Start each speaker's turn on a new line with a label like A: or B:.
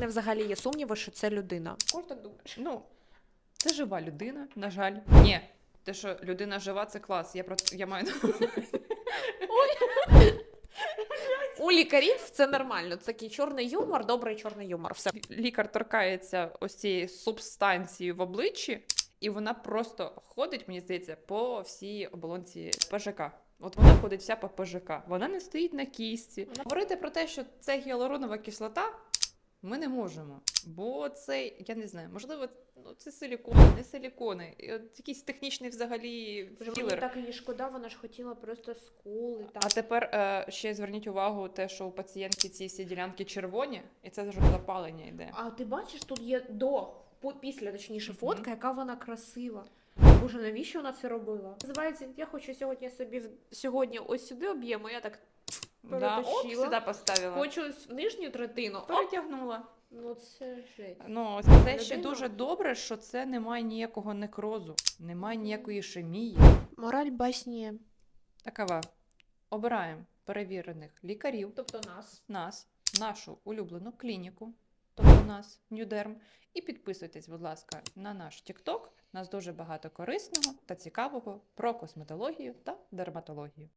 A: мене взагалі є сумніви, що це людина. Кожен так думаєш.
B: Ну, це жива людина, на жаль. Ні, те, що людина жива, це клас. Я маю
A: У лікарів це нормально. Це такий чорний юмор, добрий чорний юмор. Все.
B: лікар торкається ось цієї субстанції в обличчі, і вона просто ходить, мені здається, по всій оболонці ПЖК. От вона ходить вся по ПЖК. Вона не стоїть на кістці. Говорити про те, що це гіалуронова кислота, ми не можемо. Бо це, я не знаю, можливо, це силікони, не силікони. Якийсь технічний взагалі
A: Мені
B: філер.
A: так її шкода, вона ж хотіла просто скули. Там.
B: А тепер ще зверніть увагу те, що у пацієнтки ці всі ділянки червоні, і це вже запалення йде.
A: А ти бачиш, тут є після, точніше, фотка, яка вона красива. Боже, навіщо вона це робила? Називається, я хочу сьогодні ось сюди об'єму, я так
B: Да, оп,
A: перетащила.
B: сюди поставила.
A: Хочу нижню третину. Оп.
B: Перетягнула.
A: Ну це жесть.
B: Ну, це ще
A: Людина.
B: дуже добре, що це немає ніякого некрозу, немає ніякої ішемії.
A: Мораль басні.
B: Такова. Обираємо перевірених лікарів,
A: Тобто нас.
B: нашу улюблену клініку, тобто нас, Нюдерм, і підписуйтесь, будь ласка, на наш TikTok. У нас дуже багато корисного та цікавого про косметологію та дерматологію.